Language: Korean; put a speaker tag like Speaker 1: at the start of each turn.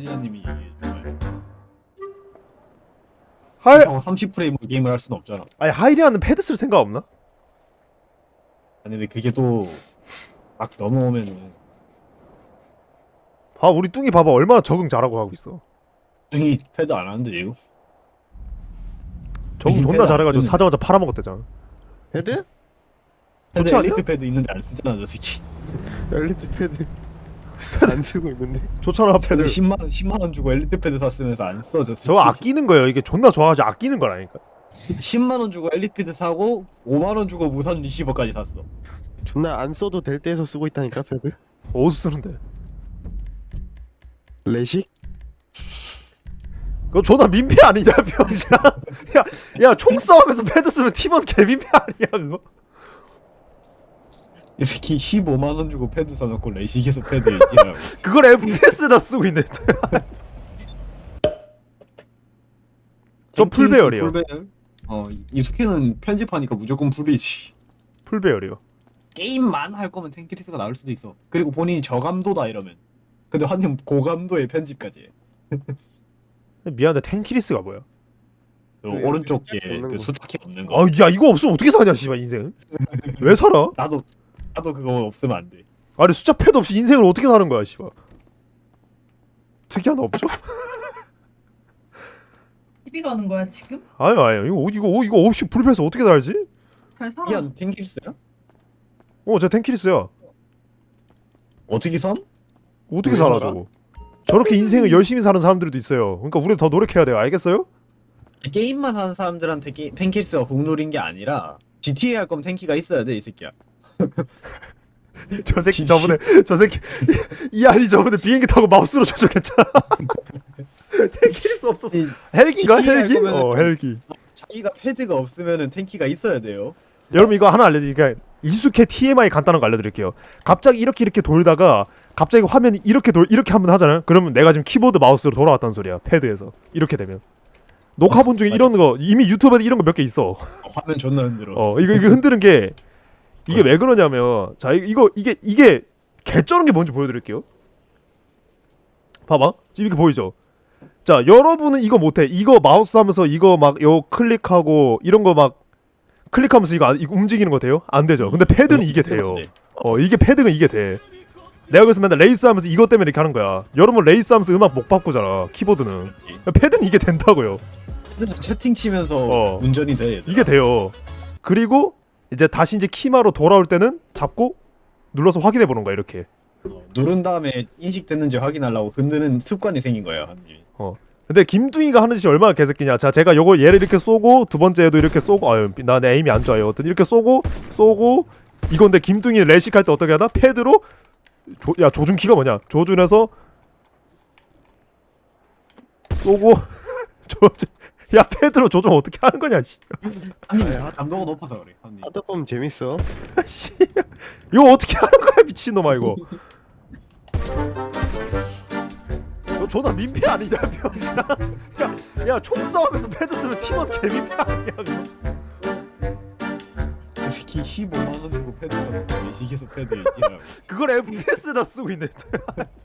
Speaker 1: 하이리아님이 얘기해줘요.
Speaker 2: 하이
Speaker 1: 30프레임 게임을 할 수는 없잖아.
Speaker 2: 아니 하이리아는 패드 쓸 생각 없나?
Speaker 1: 아니 근데 그게 또 막 넘어오면은
Speaker 2: 봐 우리 뚱이 봐봐 얼마나 적응 잘하고 하고 있어.
Speaker 1: 형이 패드 안 하는데 이거?
Speaker 2: 적응
Speaker 1: 패드
Speaker 2: 존나
Speaker 1: 안
Speaker 2: 잘해가지고
Speaker 1: 쓰는-
Speaker 2: 사자마자 팔아먹었대잖아.
Speaker 3: 패드?
Speaker 1: 패드
Speaker 2: 좋지 않냐?
Speaker 1: 엘리트 패드 있는데 안 쓰잖아 저 새끼.
Speaker 3: 엘리트 패드 안 쓰고 있는데.
Speaker 2: 좋잖아
Speaker 1: 패드
Speaker 2: 패드.
Speaker 1: 10만 원 주고 엘리트 패드 샀으면서 안 써 저 새끼.
Speaker 2: 저거 아끼는 거예요. 이게 존나 좋아가지고 아끼는 거라니까.
Speaker 1: 10만 원 주고 엘리트 패드 사고 5만 원 주고 무선 리시버까지 샀어.
Speaker 3: 존나 안 써도 될 때에서 쓰고 있다니까 패드.
Speaker 2: 어디서 쓰는데?
Speaker 3: 레식?
Speaker 2: 그거 존나 민폐 아니냐 병신아. 야 총싸움에서 패드 쓰면 팀원 개민폐 아니야 그거?
Speaker 1: 이 새끼 15만 원 주고 패드 사놓고 레식에서 패드 얘기하고.
Speaker 2: 그걸 FPS에다 쓰고 있네. 저 풀배열이요.
Speaker 1: 풀배열? 이숙희는 편집하니까 무조건 풀이지.
Speaker 2: 풀배열이요.
Speaker 1: 게임만 할 거면 탱키리스가 나올 수도 있어. 그리고 본인이 저감도다 이러면. 근데 한님 고감도의 편집까지 해.
Speaker 2: 미안한데 탱키리스가 뭐야?
Speaker 1: 그
Speaker 3: 그
Speaker 1: 오른쪽
Speaker 3: 숫자키
Speaker 1: 게
Speaker 3: 없는
Speaker 1: 그
Speaker 3: 거.
Speaker 1: 숫자키 없는 거.
Speaker 2: 아 야 이거 없으면 어떻게 사냐 씨발 인생. 왜 살아?
Speaker 1: 나도 그거 없으면 안 돼.
Speaker 2: 아니 숫자 패드 없이 인생을 어떻게 사는 거야 씨발. 특이한 거 없죠?
Speaker 4: TV 가는 거야 지금?
Speaker 2: 아니 이거 없이 불패해서 어떻게 살지?
Speaker 4: 잘 살아.
Speaker 1: 이게 한 탱키리스야?
Speaker 2: 저 탱키리스야.
Speaker 1: 어떻게 선?
Speaker 2: 어떻게
Speaker 1: 왜
Speaker 2: 살아
Speaker 1: 살아?
Speaker 2: 저거? 저렇게 인생을 열심히 사는 사람들도 있어요. 그러니까 우리 더 노력해야 돼요. 알겠어요?
Speaker 1: 게임만 하는 사람들한테 탱키리스가 국룰인 게 아니라 GTA 할 거면 탱키가 있어야 돼 이 새끼야.
Speaker 2: 저 새끼
Speaker 1: 진짜.
Speaker 2: 저 새끼 이 아니 저번에 비행기 타고 마우스로 조종했잖아. 탱키리스 없었어. 헬기가
Speaker 1: GTA 할
Speaker 2: 헬기?
Speaker 1: 거면은-
Speaker 2: 헬기.
Speaker 1: 자기가 패드가 없으면은 탱키가 있어야 돼요.
Speaker 2: 여러분 이거 하나 알려드릴게요. 익숙해 TMI 간단한 거 알려드릴게요. 갑자기 이렇게 돌다가 갑자기 화면이 이렇게 한번 하잖아요. 그러면 내가 지금 키보드 마우스로 돌아왔다는 소리야. 패드에서 이렇게 되면 녹화본 중에 이런 거 이미 유튜브에도 이런 거 몇 개 있어.
Speaker 1: 화면 존나 흔들어.
Speaker 2: 이거 흔드는 게 이게 왜 그러냐면 자 이게 개쩌는 게 뭔지 보여드릴게요. 봐봐 지금 이렇게 보이죠. 자 여러분은 이거 못해. 이거 마우스 하면서 이거 막 요 클릭하고 이런 거 막 클릭하면서 이거 움직이는 거 돼요? 안 되죠. 근데 패드는 이게 돼요. 이게 패드는 이게 돼. 내가 그래서 맨날 레이스 하면서 이것 때문에 이렇게 하는 거야. 여러분 레이스 하면서 음악 못 바꾸잖아. 키보드는. 패드는 이게 된다고요.
Speaker 1: 패드는 채팅 치면서
Speaker 2: 어.
Speaker 1: 운전이 돼. 얘들아.
Speaker 2: 이게 돼요. 그리고 이제 다시 이제 키마로 돌아올 때는 잡고 눌러서 확인해 보는 거야 이렇게.
Speaker 1: 누른 다음에 인식됐는지 확인하려고 흔드는 습관이 생긴 거예요. 한님이.
Speaker 2: 근데 김둥이가 하는 짓이 얼마나 개새끼냐. 자 제가 요거 얘를 이렇게 쏘고 두 번째에도 이렇게 쏘고 나 내 에임이 안 좋아요. 어떤 이렇게 쏘고 이건데 김둥이 레식할 때 어떻게 하나? 패드로 조준키가 뭐냐? 조준해서 쏘고 야 패드로 조준 어떻게 하는 거냐 씨.
Speaker 1: 한님 감도가 높아서 그래. 한님.
Speaker 3: 하다 보면 재밌어.
Speaker 2: 씨. 이거 어떻게 하는 거야 미친놈아 이거. 너 존나 민폐 아니냐 병신아. 야 총싸움에서 패드 쓰면 팀원 개민폐 아니야 그거.
Speaker 1: 이 새끼 15만 원 주고 패드 사놓고 외식에서 패드 얘기하고.
Speaker 2: 그걸 FPS에다 쓰고 있네.